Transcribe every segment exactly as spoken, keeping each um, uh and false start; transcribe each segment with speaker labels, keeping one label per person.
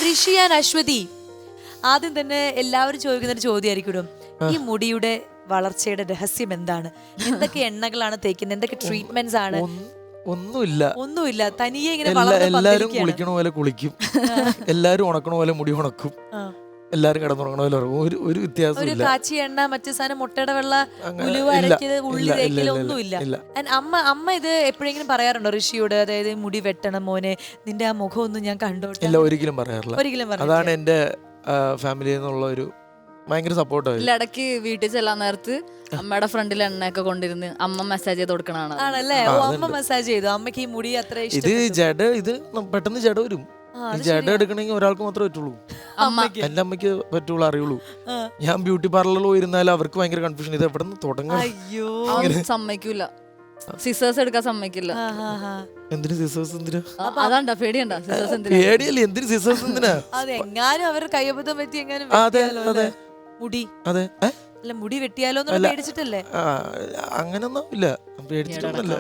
Speaker 1: ഋഷി and Aswathy, ആദ്യം തന്നെ എല്ലാവരും ചോദിക്കുന്ന ഒരു ചോദ്യമായിരിക്കും, ഈ മുടിയുടെ വളർച്ചയുടെ രഹസ്യം എന്താണ്? എന്തൊക്കെ എണ്ണകളാണ് തേക്കുന്നത്? എന്തൊക്കെ ട്രീറ്റ്മെന്റ്സ് ആണ്?
Speaker 2: ഒന്നുമില്ല
Speaker 1: ഒന്നുമില്ല, തനിയെ ഇങ്ങനെ
Speaker 2: എല്ലാരും കുളിക്കണ പോലെ കുളിക്കും, എല്ലാരും ഉണക്കണ പോലെ മുടി ഉണക്കും, എല്ലാരും കിടന്നുറങ്ങണ പോലെ ഒരു ഒരു വ്യത്യാസം.
Speaker 1: കാച്ചി എണ്ണ, മറ്റു സാധനം, മുട്ടയുടെ വെള്ള, ഉലുവ അരക്കിയത്, ഉള്ളി തേക്കില് ഒന്നുമില്ല. അമ്മ അമ്മ ഇത് എപ്പോഴെങ്കിലും പറയാറുണ്ടോ ഋഷിയോട്? അതായത് മുടി വെട്ടണം മോനെ, നിന്റെ ആ മുഖം ഒന്നും ഞാൻ കണ്ടോട്ടെ?
Speaker 2: ഇല്ല, ഒരിക്കലും പറയാറില്ല.
Speaker 1: ഒരിക്കലും.
Speaker 2: അതാണ് എന്റെ ഫാമിലിയിൽ നിന്നുള്ള ഒരു ഭയങ്കര സപ്പോർട്ടാണ്.
Speaker 3: ഇടയ്ക്ക് വീട്ടിൽ ചെല്ലാൻ നേരത്ത് അമ്മയുടെ ഫ്രണ്ടിൽ എണ്ണയൊക്കെ കൊണ്ടിരുന്ന് അമ്മ മസാജ് ചെയ്ത് കൊടുക്കണാണ്.
Speaker 1: ആണല്ലേ? അമ്മ മസാജ് ചെയ്തു. അമ്മക്ക് ഈ മുടി അത്ര
Speaker 2: ഇത് ജഡ, ഇത് പെട്ടെന്ന് ജഡ വരും. ജഡ എടുക്കണമെങ്കിൽ ഒരാൾക്ക് മാത്രമേ പറ്റുള്ളൂ. എന്റെ അമ്മയ്ക്ക് പറ്റുള്ളൂ, അറിയുള്ളൂ. ഞാൻ ബ്യൂട്ടി പാർലറിൽ പോയിരുന്നാലും അവർക്ക് ഭയങ്കര കൺഫ്യൂഷൻ, ഇത് എവിടെ നിന്ന് തുടങ്ങാൻ
Speaker 3: സമ്മതിക്കൂല. സിസേഴ്സ് എടുക്കാൻ സമ്മതിക്കില്ല.
Speaker 2: എന്തിനു സിസേഴ്സ്? എന്തിനാ?
Speaker 3: അതാണ്ടാ പേടിയണ്ട, സിസേഴ്സ്
Speaker 2: പേടിയല്ലേ? എന്തിനു സിസേഴ്സ്? എന്തിനാ?
Speaker 1: അതെങ്ങാനും അവർ കയ്യബദ്ധം പറ്റി എങ്ങാനും മുടി
Speaker 2: അതെ
Speaker 1: അല്ല മുടി വെട്ടിയാലോ പേടിച്ചിട്ടല്ലേ?
Speaker 2: അങ്ങനൊന്നും ഇല്ല, പേടിച്ചിട്ടൊന്നുമില്ല.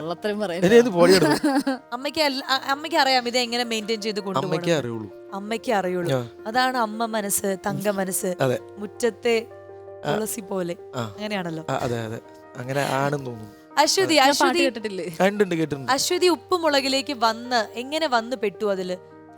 Speaker 1: അമ്മയ്ക്ക് അമ്മയ്ക്ക് അറിയാം ഇത് എങ്ങനെ മെയിൻറ്റെയിൻ ചെയ്ത് കൊണ്ടുപോകണം.
Speaker 2: അറിയുള്ളൂ,
Speaker 1: അമ്മയ്ക്ക് അറിയുള്ളൂ. അതാണ് അമ്മ മനസ്സ്, തങ്ക മനസ്സ്, മുറ്റത്തെ തുളസി പോലെ. അങ്ങനെയാണല്ലോ.
Speaker 2: അതെ അതെ, അങ്ങനെ ആണെന്ന് തോന്നുന്നു.
Speaker 1: അശ്വതി, അശ്വതി
Speaker 3: കേട്ടിട്ടില്ലേ?
Speaker 1: അശ്വതി ഉപ്പുമുളകിലേക്ക് വന്ന് എങ്ങനെ വന്ന് പെട്ടു? അതില്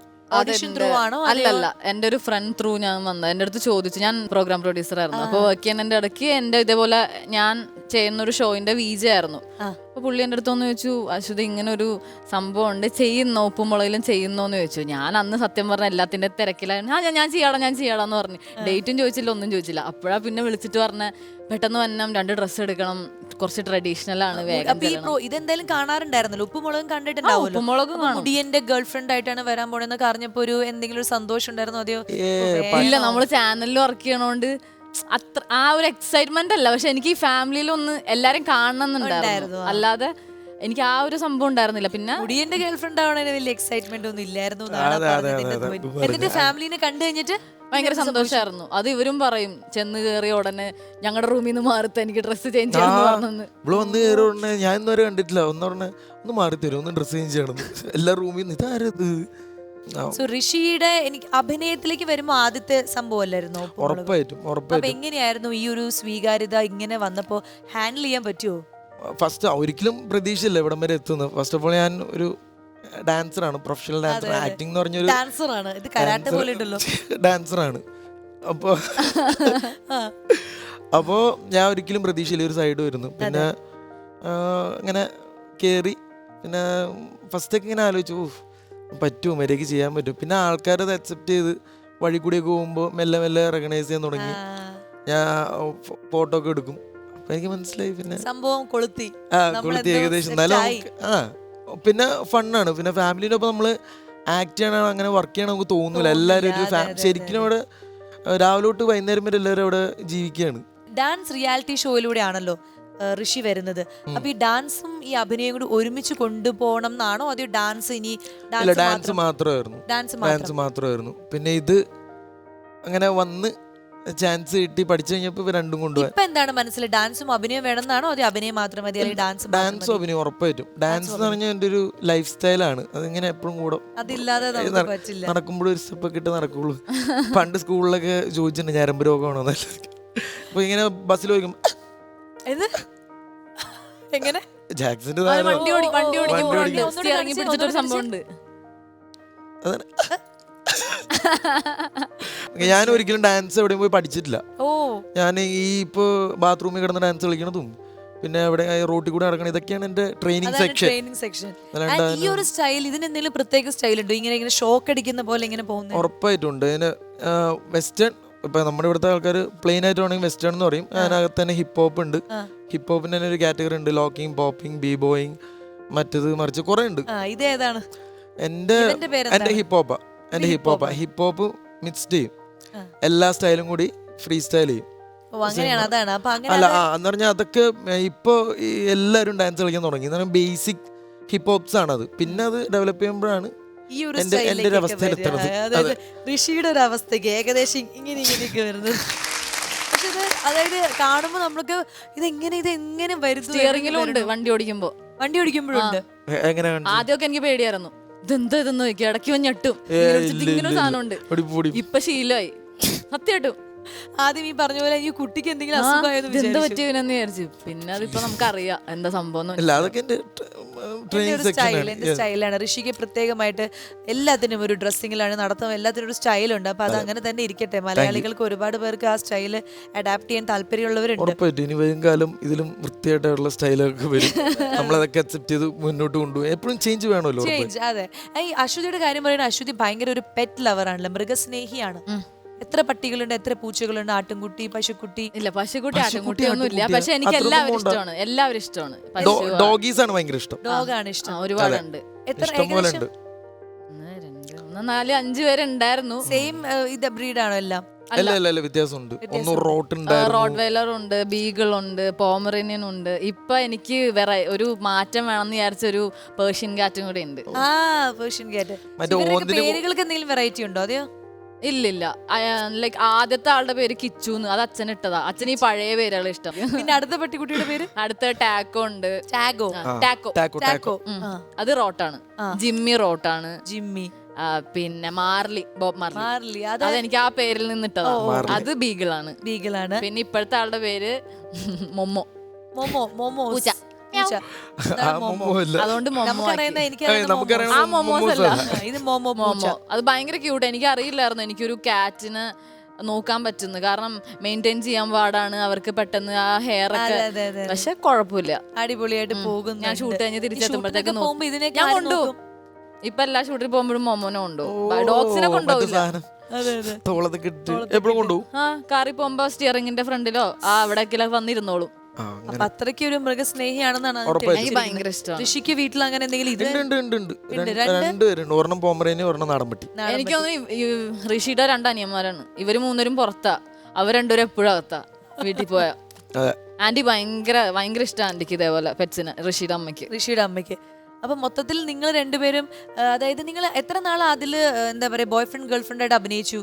Speaker 3: അല്ലല്ല, എന്റെ ഒരു ഫ്രണ്ട് ത്രൂ ഞാൻ വന്നത്. എന്റെ അടുത്ത് ചോദിച്ചു, ഞാൻ പ്രോഗ്രാം പ്രൊഡ്യൂസർ ആയിരുന്നു. അപ്പൊ വർക്ക് ചെയ്യുന്നതിന്റെ ഇടയ്ക്ക് എന്റെ ഇതേപോലെ ഞാൻ ചെയ്യുന്ന ഒരു ഷോയിന്റെ വിജെ ആയിരുന്നു. അപ്പൊ പുള്ളി എന്റെ അടുത്ത് ഒന്ന് ചോദിച്ചു, അശ്വതി ഇങ്ങനെ ഒരു സംഭവം ഉണ്ട്, ചെയ്യുന്നോ, ഉപ്പുമുളകിലും ചെയ്യുന്നോന്ന് ചോദിച്ചു. ഞാൻ അന്ന് സത്യം പറഞ്ഞ എല്ലാത്തിന്റെ തിരക്കിലായിരുന്നു. ആ ഞാൻ ചെയ്യാടാ ഞാൻ ചെയ്യാടാന്ന് പറഞ്ഞു. ഡേറ്റും ചോദിച്ചില്ല, ഒന്നും ചോദിച്ചില്ല. അപ്പോഴാ പിന്നെ വിളിച്ചിട്ട് പറഞ്ഞ പെട്ടെന്ന് വന്നം, രണ്ട് ഡ്രസ്സ് എടുക്കണം, കുറച്ച് ട്രഡീഷണൽ ആണ്, വേഗം.
Speaker 1: ഇതെന്തായാലും കാണാറുണ്ടായിരുന്നല്ലോ, ഉപ്പുമുളകും കണ്ടിട്ടുണ്ടാവും.
Speaker 3: ഉപ്പുമുളകും
Speaker 1: മുടിയന്റെ ഗേൾ ഫ്രണ്ട് ആയിട്ടാണ് വരാൻ പോണെന്ന് പറഞ്ഞപ്പോ ഒരു എന്തെങ്കിലും ഒരു സന്തോഷം ഉണ്ടായിരുന്നോ? അതെയോ?
Speaker 3: ഇല്ല, നമ്മള് ചാനലിൽ വർക്ക് ചെയ്യണോണ്ട് അത്ര ആ ഒരു എക്സൈറ്റ്മെന്റ് അല്ല. പക്ഷെ എനിക്ക് ഈ ഫാമിലിയിൽ ഒന്ന് എല്ലാരും കാണണമെന്നുണ്ടായിരുന്നു, അല്ലാതെ എനിക്ക് ആ ഒരു സംഭവം ഉണ്ടായിരുന്നില്ല. പിന്നെ
Speaker 1: മുടിയന്റെ ഗേൾ ഫ്രണ്ട് ആവണേ വലിയ എക്സൈറ്റ്മെന്റ് ഒന്നും ഇല്ലായിരുന്നു. എന്നിട്ട് ഫാമിലിനെ കണ്ടു കഴിഞ്ഞിട്ട്
Speaker 3: ഭയങ്കര സന്തോഷമായിരുന്നു. അത് ഇവരും പറയും, ചെന്ന് കയറിയ ഉടനെ ഞങ്ങളുടെ റൂമിൽ നിന്ന് മാറിത്ത എനിക്ക് ഡ്രസ്സ് ചേഞ്ച് ചെയ്യണമെന്ന്.
Speaker 2: ഇവിടെ വന്ന് കയറിയ ഉടനെ ഞാൻ ഇന്നുവരെ കണ്ടിട്ടില്ല. ഒന്ന് പറഞ്ഞ ഒന്ന് മാറി തരും, ഒന്ന് ഡ്രസ്സ് ചേഞ്ച് ചെയ്യണം, എല്ലാ റൂമിൽ നിന്ന് ഇതാരത്.
Speaker 1: ഋഷിയുടെ എനിക്ക് അഭിനയത്തിലേക്ക് വരുമ്പോ ആദ്യത്തെ സംഭവം അല്ലായിരുന്നു?
Speaker 2: ഉറപ്പായിട്ടും ഉറപ്പായിട്ടും.
Speaker 1: എങ്ങനെയായിരുന്നു ഈ ഒരു സ്വീകാര്യത ഇങ്ങനെ വന്നപ്പോ ഹാൻഡിൽ ചെയ്യാൻ പറ്റുമോ?
Speaker 2: ഫസ്റ്റ് ഒരിക്കലും പ്രതീക്ഷയില്ല ഇവിടം വരെ എത്തുന്നത്. ഫസ്റ്റ് ഓഫ് ഓൾ ഞാൻ ഒരു ഡാൻസറാണ്, പ്രൊഫഷണൽ ഡാൻസർ. ആക്ടിംഗ് എന്ന് പറഞ്ഞൊരു ഡാൻസറാണ്. അപ്പോ അപ്പോ ഞാൻ ഒരിക്കലും പ്രതീക്ഷയില്ല ഒരു സൈഡ് വരുന്നു. പിന്നെ ഇങ്ങനെ കയറി, പിന്നെ ഫസ്റ്റൊക്കെ ഇങ്ങനെ ആലോചിച്ചു, പറ്റുമോ, മര്യാദയ്ക്ക് ചെയ്യാൻ പറ്റും. പിന്നെ ആൾക്കാരത് അക്സെപ്റ്റ് ചെയ്ത് വഴി കൂടിയൊക്കെ പോകുമ്പോൾ മെല്ലെ മെല്ലെ റെക്കഗ്നൈസ് ചെയ്യാൻ തുടങ്ങി. ഞാൻ ഫോട്ടോ ഒക്കെ എടുക്കും. അപ്പൊ എനിക്ക് മനസ്സിലായി പിന്നെ
Speaker 1: സംഭവം കൊളുത്തി.
Speaker 2: ആ കൊളുത്തി ഏകദേശം. എന്നാലും ആ പിന്നെ ഫണ്ണാണ്. പിന്നെ ഫാമിലിൻ്റെ ഒപ്പം നമ്മൾ ആക്ട് ചെയ്യണം, അങ്ങനെ വർക്ക് ചെയ്യണം നമുക്ക് തോന്നൂല. എല്ലാവരും ഒരു ശരിക്കും അവിടെ രാവിലെ തൊട്ട് വൈകുന്നേരം വരെ എല്ലാവരും അവിടെ ജീവിക്കുകയാണ്.
Speaker 1: ഡാൻസ് റിയാലിറ്റി ഷോയിലൂടെ ആണല്ലോ ഋഷി വരുന്നത്. അപ്പൊ ഈ ഡാൻസും ഈ അഭിനയം കൂടി ഒരുമിച്ച് കൊണ്ടുപോകണം എന്നാണോ? അതോ ഡാൻസ് ഇനി
Speaker 2: ഡാൻസ് മാത്രമായിരുന്നു ഡാൻസ് മാത്രമായിരുന്നു പിന്നെ ഇത് അങ്ങനെ വന്ന് ചാൻസ് കിട്ടി പഠിച്ചു കഴിഞ്ഞപ്പോ രണ്ടും കൊണ്ടുപോയി.
Speaker 1: ഇപ്പൊ എന്താണ് മനസ്സിൽ, ഡാൻസും അഭിനയം വേണമെന്നാണോ? അതോ അഭിനയം മാത്രം മതി, അല്ലെങ്കിൽ ഡാൻസ്?
Speaker 2: ഡാൻസും അഭിനയം ഉറപ്പായിട്ടും. ഡാൻസ് എന്ന് പറഞ്ഞാൽ എന്റെ ഒരു ലൈഫ് സ്റ്റൈലാണ്. അതിങ്ങനെ എപ്പോഴും കൂടെ
Speaker 1: അതില്ലാതെ
Speaker 2: നടക്കുമ്പോഴും ഒരു സ്റ്റെപ്പ് ഒക്കെ ഇട്ട് നടക്കുള്ളൂ. പണ്ട് സ്കൂളിലൊക്കെ ചോദിച്ചിട്ടുണ്ട് ഞരമ്പ് രോഗമാണോ. അപ്പൊ ഇങ്ങനെ ബസ്സിൽ ചോദിക്കും
Speaker 1: എങ്ങനെ
Speaker 2: ജാക്സന്റെ ഞാൻ ഒരിക്കലും ഡാൻസ് എവിടെയും പോയി പഠിച്ചിട്ടില്ല. ഞാൻ ഈ ഇപ്പൊ ബാത്റൂമിൽ കിടന്ന് ഡാൻസ് കളിക്കണതും പിന്നെ എവിടെ റോട്ടിൽ കൂടെ നടക്കണം, ഇതൊക്കെയാണ് എന്റെ ട്രെയിനിങ് സെക്ഷൻ.
Speaker 1: ഈ ഒരു സ്റ്റൈൽ, ഇതിന് എന്തെങ്കിലും പ്രത്യേക സ്റ്റൈൽ ഉണ്ടോ? ഇങ്ങനെ ഇങ്ങനെ ഷോക്ക് അടിക്കുന്ന പോലെ ഇങ്ങനെ പോകുന്നത്?
Speaker 2: ഉറപ്പായിട്ടുണ്ട്. ഇതിന് വെസ്റ്റേൺ, ഇപ്പൊ നമ്മുടെ ഇവിടുത്തെ ആൾക്കാർ പ്ലെയിൻ ആയിട്ട് വേണമെങ്കിൽ വെസ്റ്റേൺ എന്ന് പറയും. അതിനകത്ത് തന്നെ ഹിപ്പ് ഹോപ്പ് ഉണ്ട്. ഹിപ്പ് ഹോപ്പിന്റെ തന്നെ ഒരു കാറ്റഗറി ഉണ്ട്, ലോക്കിംഗ്, പോപ്പിംഗ്, ബീ ബോയിങ്, മറ്റത് മറിച്ച് കുറെ ഉണ്ട്.
Speaker 1: ഇതേതാണ്?
Speaker 2: എന്റെ എന്റെ ഹിപ്പ് ഹോപ്പാ എന്റെ ഹിപ്പ് ഹോപ്പാ ഹിപ്പ് ഹോപ്പ് മിക്സ്ഡ് ചെയ്യും, എല്ലാ സ്റ്റൈലും കൂടി ഫ്രീ സ്റ്റൈൽ ചെയ്യും. അല്ല എന്ന് പറഞ്ഞാൽ അതൊക്കെ ഇപ്പൊ എല്ലാവരും ഡാൻസ് കളിക്കാൻ തുടങ്ങി. ബേസിക് ഹിപ്പ് ഹോപ്സ് ആണത്. പിന്നെ അത് ഡെവലപ്പ് ചെയ്യുമ്പോഴാണ് എന്റെ ഒരു അവസ്ഥയിലെത്തുന്നത്.
Speaker 1: ഋഷിയുടെ ഒരു അവസ്ഥയ്ക്ക് ഏകദേശം ഇങ്ങനെ ഇങ്ങനെയൊക്കെ വരുന്നത്. പക്ഷെ ഇത് അതായത് കാണുമ്പോ നമ്മൾക്ക് ഇതെങ്ങനെ ഇതെങ്ങനെ വരുന്നു.
Speaker 3: സ്റ്റിയറിംഗിലും ഉണ്ട്, വണ്ടി ഓടിക്കുമ്പോ
Speaker 1: വണ്ടി ഓടിക്കുമ്പോഴുണ്ട്.
Speaker 3: ആദ്യമൊക്കെ എനിക്ക് പേടിയായിരുന്നു, ഇതെന്താ ഇതെന്ന് ചോദിക്കും, ഇടയ്ക്ക് വന്ന് ഞെട്ടും. ഇങ്ങനെ ഒരു സാധനം ഉണ്ട്. ഇപ്പൊ ശീലമായി സത്യമായിട്ടും.
Speaker 1: ആദ്യം ഈ പറഞ്ഞ പോലെ ഈ കുട്ടിക്ക് എന്തെങ്കിലും അസുഖമായെന്ന്
Speaker 3: എന്താ പറ്റിയെന്ന് വിചാരിച്ചു. പിന്നെ അതിപ്പോ നമുക്കറിയാം എന്താ സംഭവം.
Speaker 1: സ്റ്റൈലാണ് ഋഷിക്ക് പ്രത്യേകമായിട്ട്. എല്ലാത്തിനും ഒരു ഡ്രസ്സിങ്ങിലാണ് നടത്തും, എല്ലാത്തിനും ഒരു സ്റ്റൈലുണ്ട്. അപ്പൊ അത് അങ്ങനെ തന്നെ ഇരിക്കട്ടെ. മലയാളികൾക്ക് ഒരുപാട് പേർക്ക് ആ സ്റ്റൈല് അഡാപ്റ്റ് ചെയ്യാൻ താല്പര്യമുള്ളവരുണ്ട്.
Speaker 2: ഇനി വരും കാലം ഇതിലും വൃത്തിയായിട്ടുള്ള സ്റ്റൈലൊക്കെ വരും. നമ്മളതൊക്കെ അക്സെപ്റ്റ് ചെയ്ത് മുന്നോട്ട് കൊണ്ടുപോകും. എപ്പോഴും ചേഞ്ച് വേണമല്ലോ.
Speaker 1: ചേഞ്ച്, അതെ. ഈ അശ്വതിയുടെ കാര്യം പറയുന്നത്, അശ്വതി ഭയങ്കര ഒരു പെറ്റ് ലവർ ആണല്ലോ, മൃഗസ്നേഹിയാണ്. എത്ര പട്ടികളുണ്ട്, എത്ര പൂച്ചകളുണ്ട്, ആട്ടുംകുട്ടി, പശുക്കുട്ടി?
Speaker 3: ഇല്ല, പശുക്കുട്ടി ആട്ടുംകുട്ടി ഒന്നും ഇല്ല. പക്ഷെ എനിക്ക് എല്ലാവരും ഇഷ്ടമാണ്. എല്ലാവരും ഇഷ്ടമാണ്.
Speaker 2: ഡോഗീസ് ആണ് ഭയങ്കര ഇഷ്ടം.
Speaker 1: ഡോഗാണ് ഇഷ്ടം.
Speaker 3: ഒരുപാടുണ്ട്.
Speaker 1: എത്ര?
Speaker 3: നാല് അഞ്ചു പേരുണ്ടായിരുന്നു.
Speaker 1: സെയിം ഇത് ബ്രീഡാണോ എല്ലാം?
Speaker 2: വ്യത്യാസമുണ്ട്.
Speaker 3: റോഡ് വെയിലർ ഉണ്ട്, ബീഗിൾ ഉണ്ട്, പോമറേനിയൻ ഉണ്ട്. ഇപ്പൊ എനിക്ക് വേറെ ഒരു മാറ്റം വേണമെന്ന് വിചാരിച്ച ഒരു പേർഷ്യൻ കാറ്റും കൂടെ ഉണ്ട്.
Speaker 1: ആ, പേർഷ്യൻ കാറ്റ്. പേരുകൾക്ക് എന്തെങ്കിലും വെറൈറ്റി ഉണ്ടോ? അതെയോ?
Speaker 3: ഇല്ലില്ല. ലൈക്ക് ആദ്യത്തെ ആളുടെ പേര് കിച്ചുന്ന്, അത് അച്ഛൻ ഇട്ടതാ. അച്ഛൻ ഈ പഴയ പേരുകൾ ഇഷ്ടം.
Speaker 1: പിന്നെ അടുത്ത പട്ടിക്കുട്ടിയുടെ പേര്?
Speaker 3: അടുത്ത ടാക്കോ ഉണ്ട്.
Speaker 1: ടാഗോ?
Speaker 3: ടാക്കോ
Speaker 1: ടാക്കോ
Speaker 3: അത് റോട്ടാണ്. ജിമ്മി റോട്ടാണ്.
Speaker 1: ജിമ്മി.
Speaker 3: പിന്നെ മാർലി, ബോബ് മാർലി.
Speaker 1: മാർലി
Speaker 3: അതെനിക്ക് ആ പേരിൽ നിന്നിട്ടതാ. അത് ബീഗിളാണ്.
Speaker 1: ബീഗിളാണ്.
Speaker 3: പിന്നെ ഇപ്പോഴത്തെ ആളുടെ പേര് മൊമ്മോ.
Speaker 1: മൊമോ. മൊമോ പൂച്ച.
Speaker 3: അതുകൊണ്ട് അത് ഭയങ്കര ക്യൂട്ട്. എനിക്ക് അറിയില്ലായിരുന്നു എനിക്കൊരു കാറ്റിന് നോക്കാൻ പറ്റുന്നു. കാരണം മെയിൻറ്റെയിൻ ചെയ്യാൻ പാടാണ് അവർക്ക് പെട്ടെന്ന് ആ ഹെയർ ഒക്കെ. പക്ഷെ കുഴപ്പമില്ല,
Speaker 1: അടിപൊളിയായിട്ട് പോകും.
Speaker 3: ഞാൻ ഷൂട്ട് കഴിഞ്ഞ് തിരിച്ചെത്തുമ്പോഴത്തേക്ക് ഞാൻ കൊണ്ടുപോകും. ഇപ്പൊ എല്ലാ ഷൂട്ടിൽ പോകുമ്പോഴും മൊമോനെ കൊണ്ടുപോകും. ഡോഗ്സിനെ കൊണ്ടുപോകില്ല. ആ കാറിൽ പോകുമ്പോ സ്റ്റിയറിംഗിന്റെ ഫ്രണ്ടിലോ ആ അവിടേക്കിലോ വന്നിരുന്നോളും.
Speaker 1: അപ്പൊ അത്രയ്ക്ക് ഒരു മൃഗസ്നേഹിയാണെന്നാണ്
Speaker 3: എനിക്ക് ഭയങ്കര ഇഷ്ടം.
Speaker 1: ഋഷിക്ക് വീട്ടിൽ അങ്ങനെ എന്തെങ്കിലും?
Speaker 3: എനിക്ക് തോന്നുന്നു ഋഷിയുടെ രണ്ട് അനിയന്മാരാണ്. ഇവര് മൂന്നരും പുറത്താ, അവർ രണ്ടുപേരും എപ്പോഴും അകത്താ വീട്ടിൽ പോയാ. ആന്റി ഭയങ്കര ഭയങ്കര ഇഷ്ടം ആന്റിക്ക് ഇതേപോലെ പെറ്റ്സിന്, ഋഷിയുടെ അമ്മയ്ക്ക്.
Speaker 1: ഋഷിയുടെ അമ്മയ്ക്ക്. അപ്പൊ മൊത്തത്തിൽ നിങ്ങൾ രണ്ടുപേരും, അതായത് നിങ്ങൾ എത്ര നാൾ അതില് എന്താ പറയാ ബോയ് ഫ്രണ്ട് ഗേൾ ഫ്രണ്ട് ആയിട്ട് അഭിനയിച്ചു?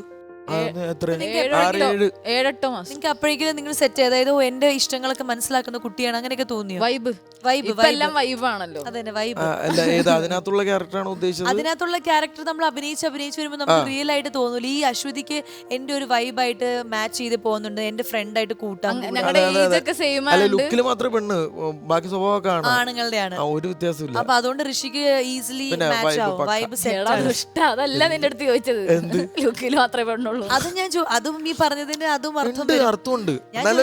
Speaker 3: ഏഴെട്ടോ മാസം.
Speaker 1: നിങ്ങൾക്ക് അപ്പോഴേക്കും നിങ്ങൾ സെറ്റ്, അതായത് എന്റെ ഇഷ്ടങ്ങളൊക്കെ മനസ്സിലാക്കുന്ന കുട്ടിയാണ് അങ്ങനെയൊക്കെ തോന്നിയോ?
Speaker 3: വൈബ് വൈബ് എല്ലാം വൈബാണല്ലോ.
Speaker 1: അതന്നെ വൈബ്.
Speaker 2: അതിനകത്തുള്ള ക്യാരക്ടറാണ് ഉദ്ദേശിച്ചത്.
Speaker 1: അതിനകത്തുള്ള ക്യാരക്ടർ നമ്മൾ അഭിനയിച്ച് അഭിനയിച്ച് വരുമ്പോൾ നമുക്ക് റിയൽ ആയിട്ട് തോന്നൂല. ഈ അശ്വതിക്ക് എന്റെ ഒരു വൈബായിട്ട് മാച്ച് ചെയ്ത് പോകുന്നുണ്ട്, എന്റെ ഫ്രണ്ട് ആയിട്ട് കൂട്ടാൻ.
Speaker 2: ലുക്കിൽ മാത്രമേ പെണ്ണ്, ബാക്കി സ്വഭാവമൊക്കെ
Speaker 1: ആണുങ്ങളുടെ ആണ്.
Speaker 2: ഒരു വ്യത്യാസമില്ല.
Speaker 1: അപ്പൊ അതുകൊണ്ട് ഋഷിക്ക് ഈസിലി മാച്ച് ആവും. Vibe set.
Speaker 3: അതല്ല നിന്റെ അടുത്ത് ചോദിച്ചത്, ലുക്കിൽ മാത്രമേ പെണ്ണുള്ളൂ.
Speaker 1: അത് ഞാൻ അതും ഈ പറഞ്ഞതിന് അതും
Speaker 2: അർത്ഥമുണ്ട്.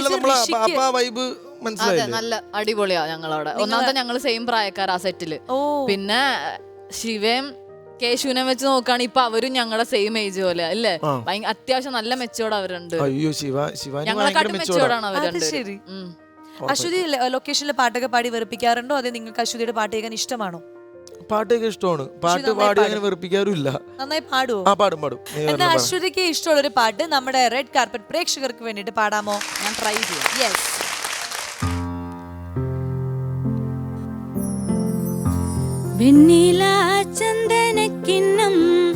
Speaker 3: നല്ല അടിപൊളിയാ ഞങ്ങളവിടെ. ഒന്നാമത്തെ ഞങ്ങള് സെയിം പ്രായക്കാർ ആ സെറ്റില്. പിന്നെ ശിവയും കേശുവിനെ വെച്ച് നോക്കുകയാണ് ഇപ്പൊ അവരും ഞങ്ങളുടെ സെയിം ഏജ് പോലെ അല്ലേ. അത്യാവശ്യം നല്ല മെച്ചോർഡ് അവരുണ്ട്. ഞങ്ങളെക്കാട്ടും മെച്ചോർഡാണ് അവരുണ്ട്.
Speaker 1: ശരി. അശ്വതി ലൊക്കേഷനിലെ പാട്ടൊക്കെ പാടി വെറുപ്പിക്കാറുണ്ടോ? അതെ, നിങ്ങൾക്ക് അശ്വതിയുടെ പാട്ട് കേൾക്കാൻ ഇഷ്ടമാണോ?
Speaker 2: പാട്ടൊക്കെ ഇഷ്ടമാണ്. പാട്ട് പാടി അങ്ങനെ വെറുപ്പിക്കാറില്ല.
Speaker 1: നന്നായി പാടുവോ?
Speaker 2: ആ പാടും പാടും.
Speaker 1: എന്നാ അശ്വതിക്ക് ഇഷ്ടമുള്ള ഒരു പാട്ട് നമ്മുടെ റെഡ് കാർപ്പറ്റ് പ്രേക്ഷകർക്ക് വേണ്ടിട്ട് പാടാമോ?
Speaker 3: ഞാൻ ട്രൈ ചെയ്യാം.
Speaker 1: യെസ്.
Speaker 4: വെണ്ണില ചന്ദനക്കിണ്ണം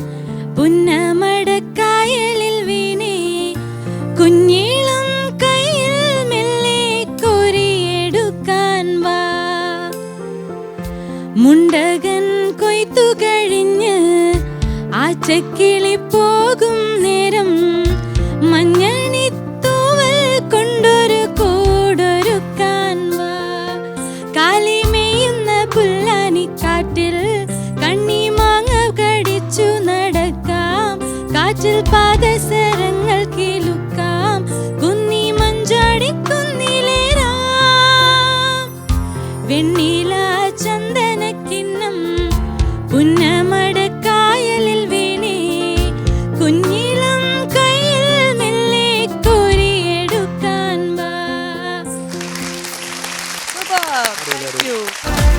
Speaker 4: പുന്നമടക്കായലിൽ വീണേ, കുഞ്ഞിളം കയ്യിൽ മെല്ലെ കോരിയെടുക്കാൻ വാ. മുണ്ടകൻ കൊയ്ത്തു കഴിഞ്ഞ് ആച്ചക്കിളി പോകും നേരം, മഞ്ഞണിത്തൂവൽ കൊണ്ടൊരു കൂടൊരുക്കാൻ വാ. കാലിമേയുന്ന പുല്ലാനിക്കാറ്റിൽ കണ്ണിമാങ്ങ കടിച്ചു നടക്കാം, കാറ്റിൽ പാദസരങ്ങൾ കിലുക്കാം, കുന്നി മഞ്ചാടി കുന്നിലേറാം. വെണ്ണില ചന്ദനക്കിണ്ണം പുന്നമടക്കായലിൽ വീണേ, കുഞ്ഞിളം കയ്യിൽ മെല്ലെ കോരിയെടുക്കാൻ വാ.
Speaker 1: Thank you.